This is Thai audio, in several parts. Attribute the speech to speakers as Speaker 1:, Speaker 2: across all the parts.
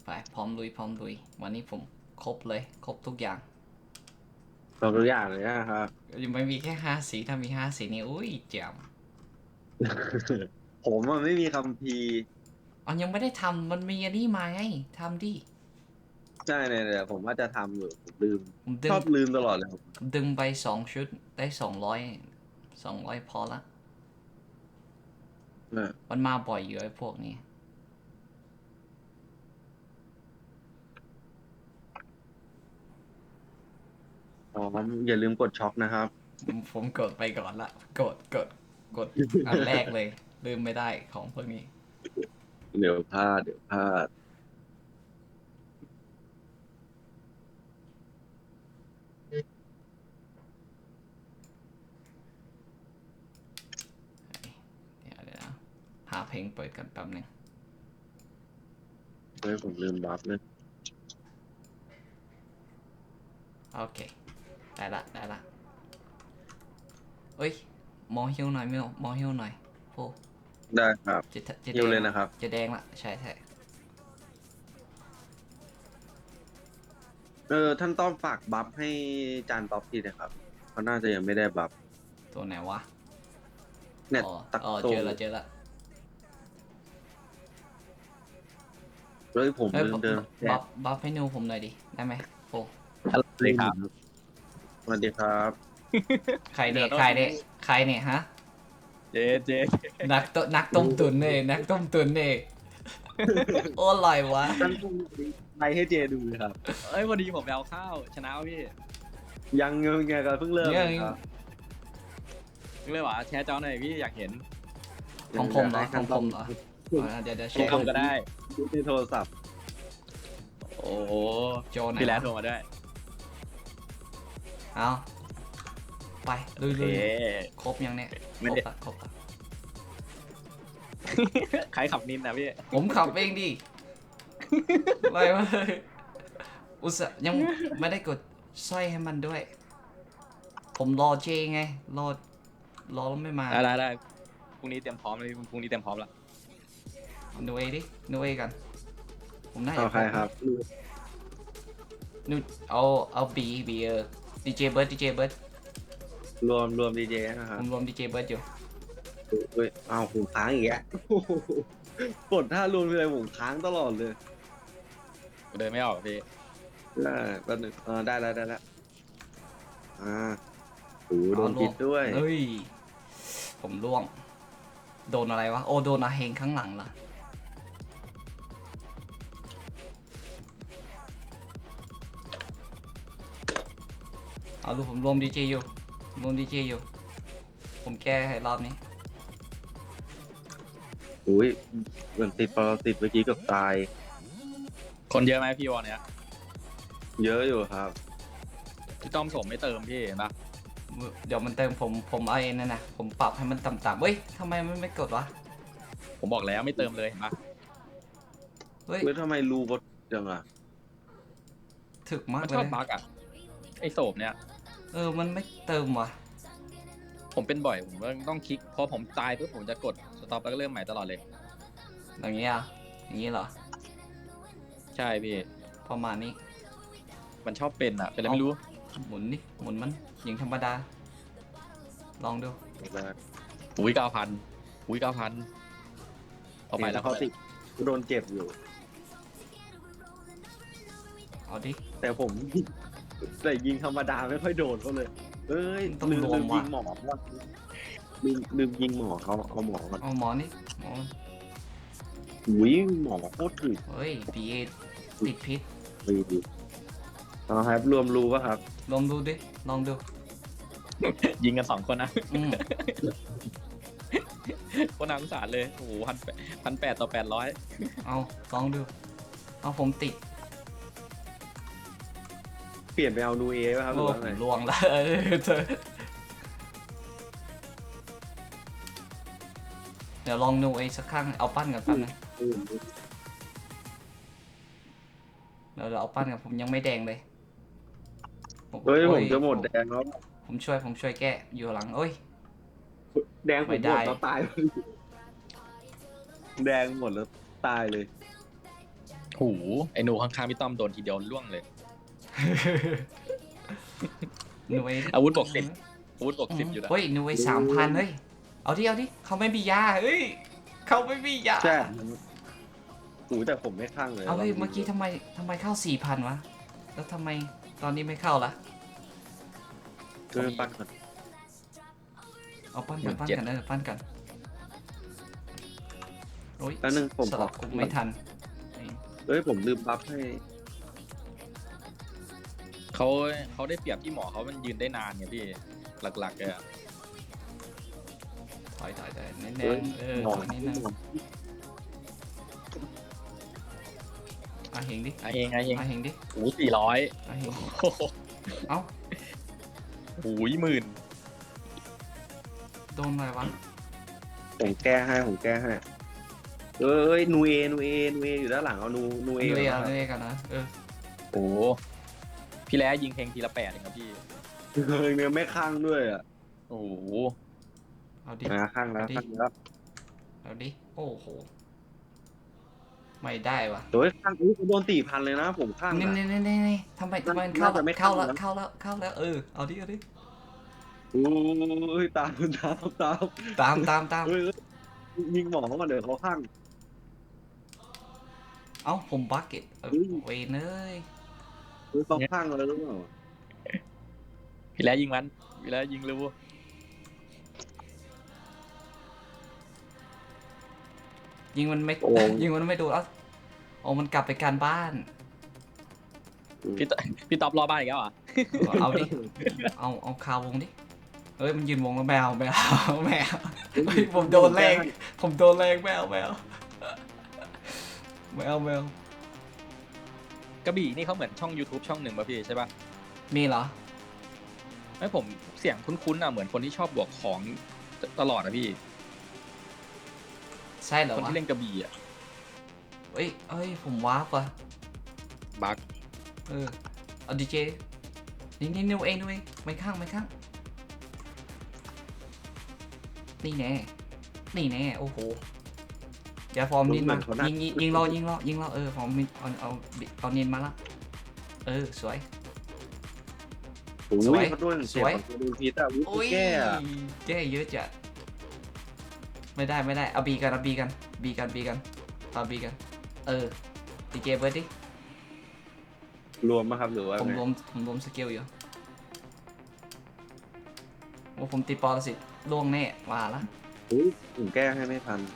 Speaker 1: ไปพร้อมลุยพร้อมลุยวันนี้ผมครบเลยครบทุกอย่าง
Speaker 2: ตัวอย่างเลยนะครับ
Speaker 1: ยังไม่มีแค่5 สีถ้ามี5 สีนี่อุ้ยแจ๋ม
Speaker 2: ผมมันไม่มีคัมภีร์
Speaker 1: อ๋อยังไม่ได้ทำมันมีอันนี้มาไงทำดิ
Speaker 2: ใช่เนี่ยผมว่าจะทำอยู่ผมลืม
Speaker 1: ผมดึง
Speaker 2: ชอบลืมตลอดเลยครับ
Speaker 1: ดึงไป2 ชุดได้200พอละ
Speaker 2: นะ
Speaker 1: มันมาบ่อยอยู่ไอ้พวกนี้
Speaker 2: อ๋ออย่าลืมกดช็อคนะครับ
Speaker 1: ผมกดไปก่อนละกดอันแรกเลยลืมไม่ได้ของพวกนี้
Speaker 2: เดี๋ยวพลาดเดี๋ยวพลาด
Speaker 1: เดี๋ยวนะหาเพลงเปิดกันแป๊บนึง
Speaker 2: เฮ้ยผมลืมบัฟเลย
Speaker 1: โอเคได้ละเอ้ยมอฮิวหน่อยมิวมอฮิวหน่อยโอ้
Speaker 2: ได้ครับ
Speaker 1: จะแด
Speaker 2: ฮิวเล
Speaker 1: งละ
Speaker 2: ยนะครับ
Speaker 1: จะแดงละใช่
Speaker 2: ท่านต้องฝากบัฟให้จานท็อปทีนะครับเขาน่าจะยังไม่ได้บัฟ
Speaker 1: ตัวไหนวะ
Speaker 2: เนี่ย
Speaker 1: อ๋อ
Speaker 2: ตักโต
Speaker 1: เจอละ
Speaker 2: เฮ้ยผม
Speaker 1: เฮ้ย
Speaker 2: ลืมเดินแจก
Speaker 1: บัฟให้นิวผมหน่อยดิได้ไหมโอ้
Speaker 2: เลยครับสวัสดีครับ
Speaker 1: ใครเนี่ยฮะ
Speaker 3: เจ๊
Speaker 1: นักต้มตุ๋นเนี่ยนักต้มตุ๋นเนี่ยโอ้อร่อยวะ
Speaker 2: ท่านต้องไลฟ์ให้เจดูครับ
Speaker 3: เอ้ยวันนี้ผมไปเอาข้าวชนะวะพี่
Speaker 2: ยังเงยไงกันเพิ่งเริ่ม
Speaker 1: เนี่ย
Speaker 2: ครับ
Speaker 3: นึกเลยว่าแชร์จอหน่อยพี่อยากเห็น
Speaker 1: ของผมเหรอของผมเหรอเดี๋ยวแชร์
Speaker 3: ทำก็ได้
Speaker 2: ที่โทรศัพท์
Speaker 3: โอ้โห
Speaker 1: โจไหน
Speaker 3: พี่แลนโทรมาด้วย
Speaker 1: เอาไปลุย
Speaker 3: เอ๊ะ
Speaker 1: ครบยังเนี่ย
Speaker 3: ไม่ได้
Speaker 1: ครบละ
Speaker 3: ใครขับนินนะพี่
Speaker 1: ผมขับเองดิอะไรวะอุตส่าห์ยังไม่ได้กดสร้อยให้มันด้วย ผมรอเจไงรอแล้วไม่มา
Speaker 3: ได้พรุ่งนี้เตรียมพร้อมเลยพรุ่งนี้เตรียมพร้อมแล้ว
Speaker 1: นูเอดินูเอกันผมน่า
Speaker 2: เอา
Speaker 1: จะ
Speaker 2: ใครครับ
Speaker 1: นูเอาบีดีเจเบิร์ด
Speaker 2: รวมดีเจนะค
Speaker 1: ผ
Speaker 2: รับ
Speaker 1: มรวมดีเจเบิร์ดอยู่
Speaker 2: เฮ้ยเอาผมค้างอีกแล้วกดท่ารวมอะไรผมค้างตลอดเลย
Speaker 3: เดินไม่ออกพี่
Speaker 2: ได้แป๊บนึงได้แล้วอ่าโอ้โหโดนปิดด้วย
Speaker 1: เฮ้ยผมล่วงโดนอะไรวะโอโดนอาเฮงข้างหลังล่ะเอาดูผมรวมดีเจอยู่ผมแก้ให้รอบนี้
Speaker 2: อุ้ยเหมือนติดปรสิตเมื่อกี้เกับตาย
Speaker 3: คนเยอะไหมพี่วอลเนี้ย
Speaker 2: เยอะอยู่ครับ
Speaker 3: พี่ต้อมสมไม่เติมพี่เห็นปะ
Speaker 1: เดี๋ยวมันเติมผมเอาเองนั่นนะผมปรับให้มันต่ำๆเฮ้ยทำไมมันไม่กดวะ
Speaker 3: ผมบอกแล้วไม่เติมเลยเห็นปะ
Speaker 1: เฮ้ย
Speaker 2: เฮ้ยทำไมรูบดจังอ่ะ
Speaker 1: ถึกมาก
Speaker 3: มัน
Speaker 1: เล
Speaker 3: ชอย บบั๊กอ่ะไอ้โสมเนี่ย
Speaker 1: มันไม่เติมว่ะ
Speaker 3: ผมเป็นบ่อยผมก็ต้องคลิกพอผมตายปุ๊บผมจะกดสต็อปแล้วก็เริ่มใหม่ตลอดเลย
Speaker 1: อย่างนี้อ่ะอย่างนี้เหรอ
Speaker 3: ใช่พี่
Speaker 1: ประมาณนี้
Speaker 3: มันชอบเป็นอ่ะเป็นอะไรไม่รู้
Speaker 1: หมุนนี่หมุนมันอย่างธรรมดา ลองดู
Speaker 3: อุ้ย9,000เอาไปแล้ว
Speaker 2: เขาติดโดนเจ็บอยู่
Speaker 1: เอาดิ
Speaker 2: แต่ผม แต่ยิงธรรมดาไม่ค่อยโดนเขาเลย เอ้ย
Speaker 1: ต้อง
Speaker 2: ลืม
Speaker 1: รวม
Speaker 2: ยิง
Speaker 1: ว่ะ
Speaker 2: หมอว่าลืมยิงหมอเขาเอาหมอก่อน
Speaker 1: เอาหมอนี่หมอ
Speaker 2: อุ้ยหมอโคตรถึก
Speaker 1: เฮ้ยพีเอติดพิษ
Speaker 2: ดีเอาครับรวมรูป่ะครับ
Speaker 1: ลองดูดิลองดู
Speaker 3: ยิงกัน2 คนนะ
Speaker 1: อืม
Speaker 3: คนน่าสงสารเลยโอ้โห1,800 ต่อ 800
Speaker 1: เอาลองดูเอาผมติด
Speaker 2: เปลี่ยนไปเอานูเอป่ะครับห
Speaker 1: โอ้
Speaker 2: รือว่า
Speaker 1: ผ
Speaker 2: ไง
Speaker 1: มลวงแล้วเดี๋ยวลองดูไอ้สักครั้งเอาปั้นกันแป๊บนึง
Speaker 2: อืม
Speaker 1: เดี๋ยวเอาปั้นกันผมยังไม่แดงเลย
Speaker 2: เฮ้ย
Speaker 1: โอ้
Speaker 2: ผมจะหมดแดงแล้ว
Speaker 1: ผมช่วยแก้อยู่หลังเอ้ย
Speaker 2: แดงผม
Speaker 1: ไม่
Speaker 2: หม
Speaker 1: ได้
Speaker 2: ดแล้วตาย แดงหมดแล้วตายเลย
Speaker 3: หูไอ้หนูข้างๆพี่ต้อมโดนทีเดียวล่วงเลย
Speaker 1: หน่วย
Speaker 3: อาวุธบวก 10 อาวุธบวก 10อยู่นะ
Speaker 1: เฮ้ยหน่วย3,000เฮ้ยเอาดิเขาไม่มียาเฮ้ยเขาไม่มียา
Speaker 2: ใช่โอ้แต่ผมไม่ข้างเลย
Speaker 1: เอาเฮ้ยเมื่อกี้ทำไมเข้า 4,000 วะแล้วทำไมตอนนี้ไม่เข้าละ
Speaker 2: คือปั้นก่อน
Speaker 1: เอาปั้นกันปั้นกันโอ้ย
Speaker 2: แล้วนึงผม
Speaker 1: สลับกุมไม่ทัน
Speaker 2: เอ้ยผมลืมบัฟให้
Speaker 3: เขาได้เปรียบที่หมอเขามันยืนได้นานไงพี่หลักๆเลยอะ
Speaker 1: ถอยเน้น
Speaker 2: เอ้ย
Speaker 1: ๆ
Speaker 2: หมอ
Speaker 1: ถอยนิดนึงเฮงดิ
Speaker 3: เอง
Speaker 1: เฮงดิ
Speaker 3: โอ้400
Speaker 1: เฮง
Speaker 3: โอ้โห
Speaker 1: เอ้า
Speaker 3: โอ้ยหมื่น
Speaker 1: โดนอะไรวะ
Speaker 2: ผมแก้ให้เอ้ยนูเออยู่ด้านหลังเอานูเอ
Speaker 1: เรีย
Speaker 2: ก่อน
Speaker 1: เรียกันนะ
Speaker 3: โอ้พี่แล้ยิงเพลงทีละ8เองครับพี่
Speaker 2: เฮ้ยเนี่ยไม่ข้างด้วยอ่ะ
Speaker 3: โอ้โห
Speaker 1: เอาดิ
Speaker 2: ข้างแล้ว
Speaker 1: เอาดิโอ้โหไม่ได้วะ
Speaker 2: โดยข้างอุ้ยโดน4,000เลยนะผมข้าง
Speaker 1: นี่
Speaker 2: อะ
Speaker 1: นี่ทำไมมันเข้า
Speaker 2: น่าจะไม่
Speaker 1: เข้า
Speaker 2: เข้า
Speaker 1: แล้วเอาดิ
Speaker 2: โอ้ยตาม
Speaker 1: ตาม
Speaker 2: เฮ้ยยิงหมอเขาก่อนเดี๋ยวเขาข้าง
Speaker 1: เอ้าผมบักเก็ต
Speaker 2: เฮ้ย
Speaker 1: เวนเอ้ย
Speaker 2: เฮ้ยเขาข้างอะไรหรือเปล่า
Speaker 3: พี่แล้ยิงมันพี่แล้ยิงเร็ว
Speaker 1: ยิงมันไม่โดนโอ้มันกลับไปการบ้าน
Speaker 3: พี่ต๊อบรอบ้านอีกแล้วเหรอ่ะ
Speaker 1: เอาดิเอาคาวงดิเฮ้ยมันยืนวงแล้วแมวเฮ้ยผมโดนแรงแมว
Speaker 3: กระบี่นี่เขาเหมือนช่อง YouTube ช่องหนึ่งป่ะพี่ใช่ป่ะ
Speaker 1: มีเหรอ
Speaker 3: ไม่ผมเสียงคุ้นๆอ่ะเหมือนคนที่ชอบบวกของตลอดนะพี่
Speaker 1: ใช่เหรอ
Speaker 3: คน
Speaker 1: วะ
Speaker 3: ที่เล่นกระบี่อ่ะ
Speaker 1: เอ้ยผมวาร์ปว่ะ
Speaker 3: บัก
Speaker 1: เอาดีเจนี่นิวเองไม่ข้างนี่แน่โอ้โหอย่าฟอร์มนินมายิงรอฟอร์มนินเอานินมาละสวย
Speaker 2: โอ้
Speaker 1: สวย
Speaker 2: ยเขาโดน
Speaker 1: สวย
Speaker 2: โดนพีตอ่ะ
Speaker 1: โอ้ย
Speaker 2: แก้อะ
Speaker 1: แก้เยอะจัดไม่ได้เอาบีกันเอาบีกันดีเจเบิร์ดดิ
Speaker 2: รวมมาครับหรือว่า
Speaker 1: ผม
Speaker 2: ไง
Speaker 1: รวมสกิลอยู่ว่าผมตีปอลสิล่วงแน่ว่าละ
Speaker 2: อุ้ยผมแก้ให้ไม่ทัน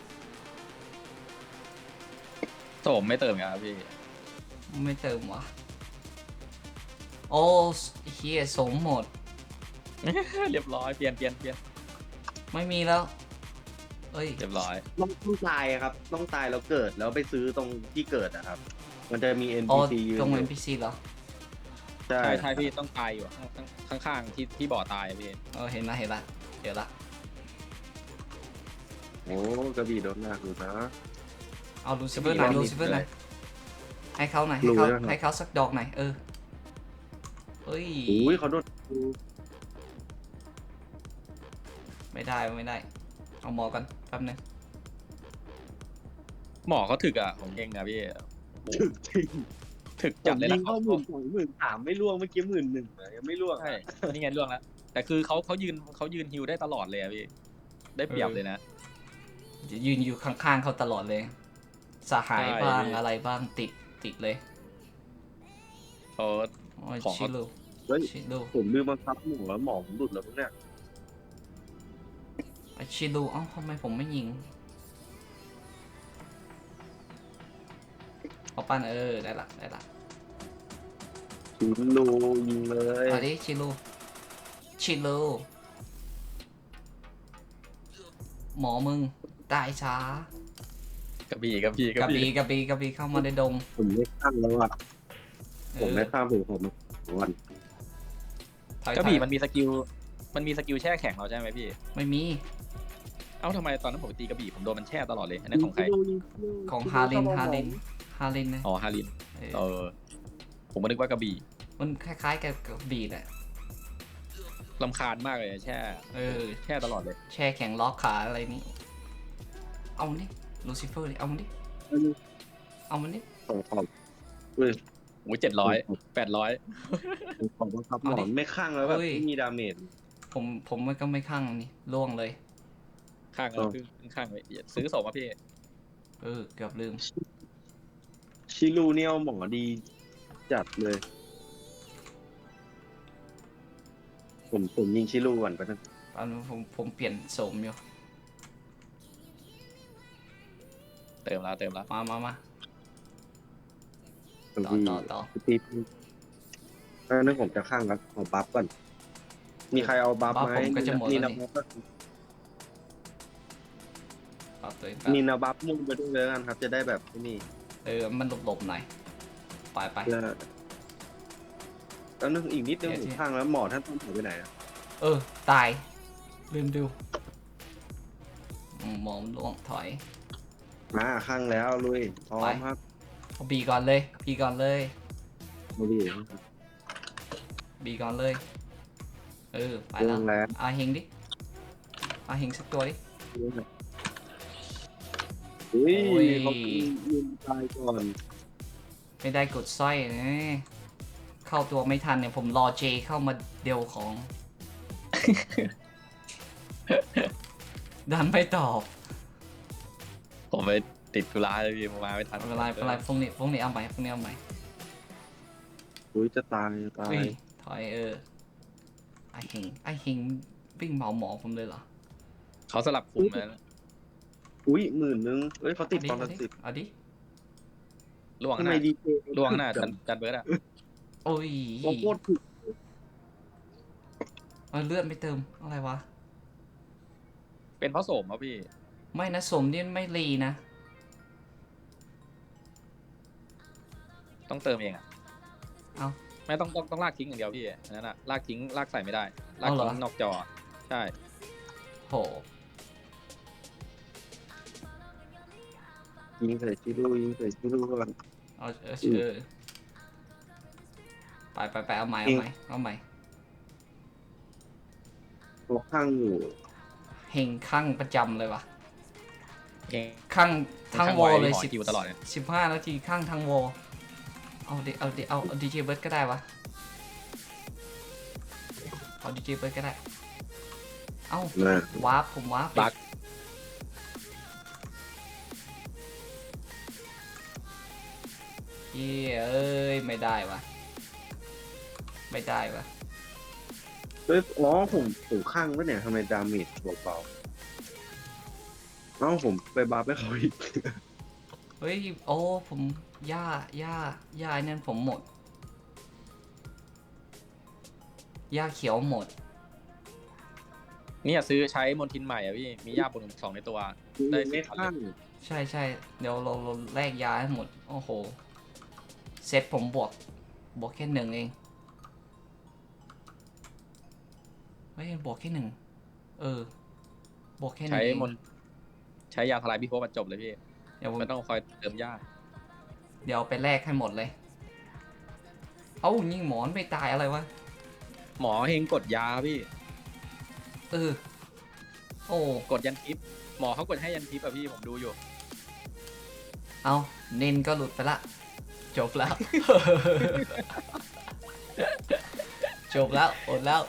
Speaker 3: โสมไม่เติมครับพี่
Speaker 1: ไม่เติมวะโอ้เฮียสมหมด
Speaker 3: เรียบร้อยเปลี่ยน
Speaker 1: ไม่มีแล้วเอ้ย
Speaker 3: เรียบร้อย
Speaker 2: ต้องตายอะครับ ต้องตายแล้วเกิดแล้วไปซื้อตรงที่เกิดนะครับ มันจะมี
Speaker 1: อ๋อ
Speaker 2: NPC ยืน
Speaker 1: ตรง
Speaker 2: อยู่
Speaker 1: NPC เหรอ
Speaker 2: ใช่
Speaker 3: ใช่พี่ต้องตายอยู่ข้างๆที่บ่อตายอะพี่
Speaker 1: เห็นละเดี๋ยวละ
Speaker 2: โอ้กระบี่โดนหนักอยู่นะ
Speaker 1: เอาลูซิเฟอร์หน่อยให้เขาหน่อย
Speaker 2: รู้แล้วครับ
Speaker 1: ให้เขาสักดอกหน่อยเอ้ย
Speaker 2: อุ้ยเขาโดน
Speaker 1: ไม่ได้เอาหมอกันแป๊บนึง
Speaker 3: หมอเขาถึกอ่ะของเองอ่ะพี่โอ้โห
Speaker 2: จริง
Speaker 3: ถึก
Speaker 2: ผ
Speaker 3: จัด
Speaker 2: ม
Speaker 3: เลย
Speaker 2: ยิ
Speaker 3: นะ
Speaker 2: งเข้า13,000ไม่ล่วงเมื่อกี้11,000อะยังไม่ล่วง
Speaker 3: ใช่นี่ไงเรื่องแล้วแต่คือเขายืนฮิวได้ตลอดเลยอะพี่ได้เปรียบเลยนะ
Speaker 1: ยืนอยู่ข้างๆเขาตลอดเลยสหาย
Speaker 3: ใช่
Speaker 1: บ้างอะไรบ้างติดเลย
Speaker 3: เขา
Speaker 1: โอ้ย
Speaker 3: ของ
Speaker 1: ชิลู
Speaker 2: เฮ้ย ผมลืมบังคับหมูแล้วหมอผมหลุดแล้วพวกเนี่ย
Speaker 1: ชิลูเอ้าทำไมผมไม่ยิงเอาปั้นได้ละ
Speaker 2: ชิลูยิงเลย
Speaker 1: เอาดิชิลูหมอมึงตายช้าก
Speaker 3: ระบี่
Speaker 1: กระบี่เข้ามาในดง
Speaker 2: ผมไม่ข้างแล้วอ่ะผมไม่ข้างผมวัน
Speaker 1: ถอย
Speaker 3: กระบี่มันมีสกิลแช่แข็งเราใช่ไหมพี่
Speaker 1: ไม่มี
Speaker 3: เอ้าทำไมตอนนั้นผมตีกระบี่ผมโดนมันแช่ตลอดเลยอันนั้นของใคร
Speaker 1: ของฮารินนะ
Speaker 3: อ๋อฮารินผมก็นึกว่ากระบี่
Speaker 1: มันคล้ายๆกับกระบี่แหละ
Speaker 3: รำคาญมากเลยแช่ตลอดเลย
Speaker 1: แช่แข็งล็อกขาอะไรนี้เอามันดิลูซิเฟอร์ดิเอามันดิ
Speaker 2: ของขอบอุ้ย
Speaker 3: โอ้ย700 800
Speaker 2: ของบังคับหมอนไม่ข้างแล้วแบบไม่มีดาเมจ
Speaker 1: ผมมันก็ไม่ข้างนี่ล่วงเลย
Speaker 3: ข้างแล้วคือข้างเลยซื้อสองมาพี่
Speaker 1: เกือบลืม
Speaker 2: ชิลูเนี่ยหมอดีจัดเลย ผมยิงชิลูก่อนไปนะ
Speaker 1: ตอนนี้ผมเปลี่ยนโสมอยู่
Speaker 3: เติมแล้ว
Speaker 1: มา
Speaker 2: บาง
Speaker 1: ต่อ
Speaker 2: ที
Speaker 1: ต่อ
Speaker 2: ตีนั่นผมจะข้างแล้วขอบัฟก่อนมีใครเอาบัฟไหม
Speaker 1: ผมก็จะหมด
Speaker 2: นี่
Speaker 1: แล้ว
Speaker 2: นะ
Speaker 1: นี่
Speaker 2: บัฟ
Speaker 1: เอาตัวเอง
Speaker 2: นี่นะบัฟมุ่งไปด้วยเลยกันครับ จะได้แบบนี่
Speaker 1: มันหลบหน่อยไป
Speaker 2: เพื่อแล้วนึกอีกนิดนึง
Speaker 1: เดี๋ยว
Speaker 2: ผมข้างแล้วหมอท่านต้องหายไปไหนอะ
Speaker 1: ตายลืมดูหมอมล่วงถอย
Speaker 2: มาข้างแล้วลุยพร้อ
Speaker 1: ไป
Speaker 2: มครับ
Speaker 1: เอาบีก่อนเลยบีก่อนเลย
Speaker 2: มาดิ
Speaker 1: บีก่อนเลย ไป
Speaker 2: ล
Speaker 1: แล้ว
Speaker 2: งแล้ว
Speaker 1: อาเฮงดิอาเฮงสักตัวดิ
Speaker 2: อุ้ย
Speaker 1: โอ้ย
Speaker 2: เขายิงตายก่อน
Speaker 1: ไม่ได้กดสร้อยนะเข้าตัวไม่ทันเนี่ยผมรอเจเข้ามาเดียวของ ดันไม่ตอบ
Speaker 3: ผมไปติดธุระเลยพี่มาไม่ทัน
Speaker 1: ไม่เป็นไรพรุ่งนี้เอาใหม่
Speaker 2: อุ้ยจะตายจะตาย
Speaker 1: เฮ้ยถอยไอเฮงวิ่งเหมาหมอผมเลยเหรอ
Speaker 3: เขาสลับคุมแล้ว
Speaker 2: อุ้ย10,000เอ้ยเขาติดตอนละ10
Speaker 1: เอาดิ
Speaker 3: ล่วง
Speaker 2: ทำ
Speaker 3: ห
Speaker 2: ไม
Speaker 3: น้า
Speaker 2: ดีเจ
Speaker 3: ล่วงหน้าจันเบิร์ดอะ
Speaker 1: โอ้ย
Speaker 2: โคตรถูก
Speaker 1: เลือดไม่เติมอะไรวะ
Speaker 3: เป็นเพราะโสมครับพี่
Speaker 1: ไม่นะสมนี่ไม่รีนะ
Speaker 3: ต้องเติมเองอะ
Speaker 1: เอ้า
Speaker 3: ไม่ต้องลากทิ้งอย่างเดียวพี่อันนั้นอะลากทิ้งลากใส่ไม่ได้ ลาก
Speaker 1: เอาเหรอ
Speaker 3: ทิ้งนอกจอ ใช่
Speaker 1: โห
Speaker 2: ยิงใส่ชิลูก่อน
Speaker 1: ไปเอาใหม่เอาใหม่
Speaker 2: ตัวข้างอยู่
Speaker 1: เฮงข้างประจำเลยวะ
Speaker 3: เอง
Speaker 1: ข้างทั้งวอลเลย
Speaker 3: หอคิวตลอดเนี่ย
Speaker 1: 15 นาทีข้างทั้งวอลเอาดีเจเบิร์ดก็ได้วะเอาดีเจเบิร์ดก็ได้ เอ้า
Speaker 2: นะ
Speaker 1: ผมวาร์ป
Speaker 3: บัก
Speaker 1: ไม่ได้วะ
Speaker 2: เฮ้ยอ๋อผมข้างไว้เนี่ยทำไมดาเมจเบาๆเอ้าผมไปบัฟให้เขาอีก
Speaker 1: เฮ้ยโอ้ผมย่าไอ้นั่นผมหมดย่าเขียวหมด
Speaker 3: เนี่ยซื้อใช้มนทินใหม่อะพี่ มียาบน2ในตัว ได้
Speaker 2: ไม่
Speaker 3: 10
Speaker 2: ข้าง
Speaker 1: ใช่เดี๋ยวเราแลกยาให้หมดโอ้โหเซตผมบวกแค่1เองเฮ้ยบวกแค่1บวกแค่1
Speaker 3: ใช้
Speaker 1: เอง
Speaker 3: ใช้ยาทลายพิภพบรรจบเลยพี่
Speaker 1: เดี๋ยวผม
Speaker 3: ไม่ต้องคอยเติมยา
Speaker 1: เดี๋ยวไปแลกให้หมดเลยเอ้ายิงหมอนไม่ตายอะไรวะ
Speaker 3: หมอเฮงกดยาพี่
Speaker 1: โอ้
Speaker 3: กดยันทิปหมอเขากดให้ยันทิปอะพี่ผมดูอยู่
Speaker 1: เอาเน้นก็หลุดไปละจบแล้ว จบแล้วอดแล้ว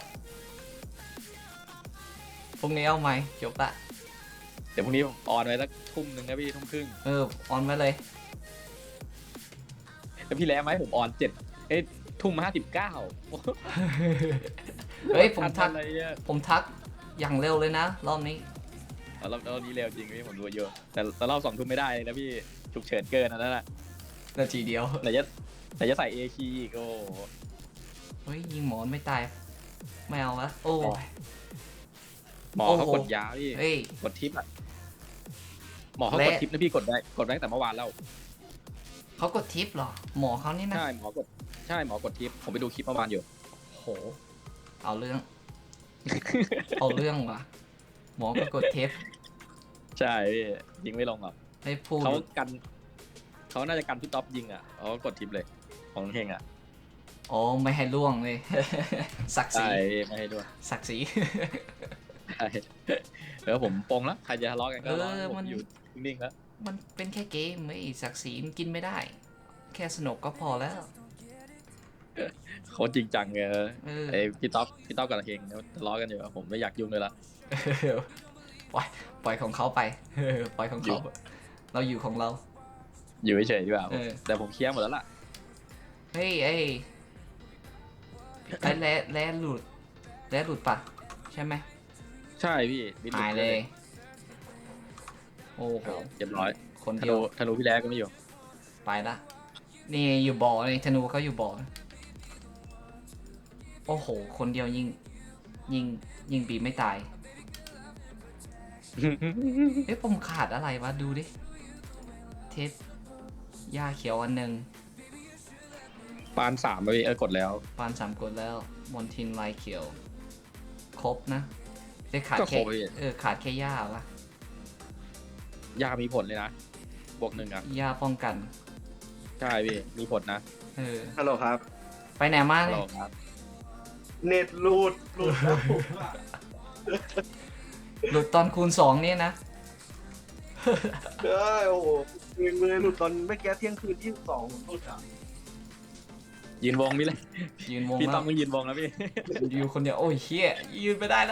Speaker 1: พรุ่งนี้เอาใหม่จบละ
Speaker 3: เดี๋ยวพรุ่งนี้ผมออนไว้สักทุ่มหนึ่งนะพี่ทุ่มครึ่ง
Speaker 1: ออนไว้เลย
Speaker 3: แล้วพี่แล้วไหมผมออนทุ่ม59
Speaker 1: เฮ้ยผมทัก
Speaker 3: อะไรเนี่ย
Speaker 1: ผมทักอย่างเร็วเลยนะรอบนี้
Speaker 3: รอบนี้เร็วจริงพี่ผมดูเยอะแต่รอบ2 ทุ่มไม่ได้เลยนะพี่ฉุกเฉินเกินอันนั้นแหละ
Speaker 1: นาทีเดียว
Speaker 3: ไหนจะใส่ A คีย์อีกโอ้
Speaker 1: เฮ้ยยิงหมอนไม่ตายไม่เอาละโอ้ย
Speaker 3: หมอเขา
Speaker 1: โอ้โห
Speaker 3: กดยาพี่
Speaker 1: เฮ้ย
Speaker 3: กดทิปอะหมอเขากดทิปนะพี่กดได้ตั้งแต่เมื่อวานแล้ว
Speaker 1: เขากดทิปเหรอหมอเขานี่นะ
Speaker 3: ใช่หมอกดทิปผมไปดูคลิปเมื่อวานอยู่
Speaker 1: โหเอาเรื่อง เอาเรื่องว่ะหมอก็กดเทป
Speaker 3: ใช่พี่ยิงไม่ลงหรอก
Speaker 1: ให้พูด
Speaker 3: เขาน่าจะกันพี่ท็อปยิงอ่ะเขาก็กดทิปเลยของเฮงอ่ะ
Speaker 1: โอ้ไม่ให้ล่วงเลย ศักดิ์ศรี
Speaker 3: ใช่ไม่ให้ด้วย
Speaker 1: ศักดิ์ศรี
Speaker 3: ใช่แล้วผมปงแล้วใครจะทะเลาะกันก็ทะเลาะ
Speaker 1: เออ
Speaker 3: ผม
Speaker 1: มัน
Speaker 3: อยู่นิ่งๆแล้ว
Speaker 1: มันเป็นแค่เกมไม่ศักดิ์ศรีมันกินไม่ได้แค่สนุกก็พอแล้ว
Speaker 3: เขาจริงจังไง
Speaker 1: เออ
Speaker 3: ไอพี่ต๊อกกับเฮงเนี่ยทะเลาะกันอยู่อะผมไม่อยากยุ่งเลยละ
Speaker 1: ปล่อยของเขาไป ปล่อยของเขาเราอยู่ของเรา
Speaker 3: อยู่เฉยๆดีกว่า
Speaker 1: เออ
Speaker 3: แต่ผมเคลียร์หมดแล้วล่ะ
Speaker 1: เฮ้ยไอ้แร่หลุดปะใช่ไหม
Speaker 3: ใช่พี่บิน
Speaker 1: หายเลย โอ้โห
Speaker 3: เรียบร้อย
Speaker 1: คน
Speaker 3: ธ
Speaker 1: เดีย
Speaker 3: นู
Speaker 1: ว
Speaker 3: ธนูพี่แรกก็ไม่อยู่
Speaker 1: ไปละ นี่อยู่บ่อนี่ธนูเขาอยู่บ่อ โอ้โห คนเดียวยิงบีไม่ตาย เอ๊ะผมขาดอะไรวะ ดูดิ เทปหญ้าเขียวอันหนึ่ง
Speaker 3: ปาน3ไปพี่กดแล้ว
Speaker 1: ปาน3 กดแล้ว มอนทินลายเขียว ครบนะได้ขาด
Speaker 3: ก็คร
Speaker 1: แค่
Speaker 3: บพี่
Speaker 1: ขาดแค่หญ้าวะ
Speaker 3: ยามีผลเลยนะบวก 1อ่ะ
Speaker 1: หญ้าป้องกัน
Speaker 3: ใช่พี่มีผลนะ
Speaker 2: ฮัลโหลครับ
Speaker 1: ไปไหนมา
Speaker 3: ฮัล
Speaker 1: เล
Speaker 3: โหล
Speaker 1: ย
Speaker 3: ครับ
Speaker 2: เน็ตหลุดแล้วผมอะ
Speaker 1: หลุดตอนคูณ 2 นี่นะ
Speaker 2: เอ้ยโอ้โหเมือหลุดตอนเมื่อกี้เที่ยงคืน22ผมหลุดอ่ะ
Speaker 3: ยืนวงพี่เลย
Speaker 1: ยืนวง
Speaker 3: พี่
Speaker 1: แล้
Speaker 3: ต้อ
Speaker 1: ว
Speaker 3: งยืนวงแล้วพี่
Speaker 1: อยู่คนเดียว โอ้ยเฮียยืนไปได้แล้ว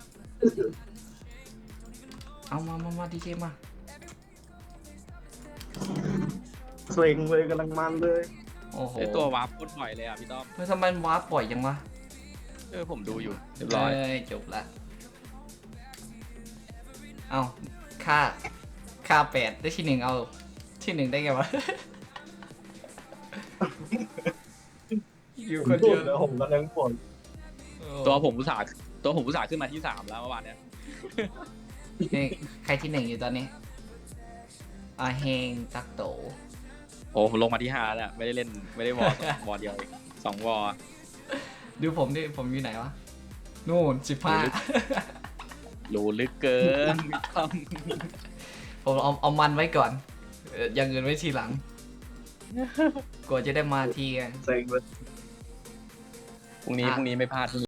Speaker 1: เอามาดีเจมา
Speaker 2: เซ็งเลยกำลังมันเลย
Speaker 1: โอ้โห
Speaker 3: ไอตัววาร์ปโคตรบ่อยเลยอ่ะพี่ต้อม
Speaker 1: เฮ้ยทำไมมันวาร์ปปล่อยยังวะ
Speaker 3: ผมดูอยู่เรียบร้อย
Speaker 1: จบละ เอาค่า8ได้ที่ 1 เอาที่ 1 ได้ไงวะ อยู่คนเดียว
Speaker 2: แล้วผมกำลังปวด
Speaker 3: ตัวผมอุตส่าห์ขึ้นมาที่ 3 แล้วเมื่อวานเนี้ย
Speaker 1: นี่ใครที่ 1 อยู่ตอนนี้อาเฮงตักโต
Speaker 3: โอ้ผมลงมาที่5แล้วไม่ได้เล่นไม่ได้วอร์วอร์เดียวอีก2 วอร์
Speaker 1: ดูผมดิ ผมอยู่ไหนวะ นู่น
Speaker 3: รู้ลึกเกินพี่ต้อม
Speaker 1: 15 ผมเอามันไว้ก่อนอย่างอื่นไว้ทีหลัง กว่าจะได้มาทีกัน
Speaker 2: เซ็งเลย
Speaker 3: พรุ่งนี้ไม่พลาด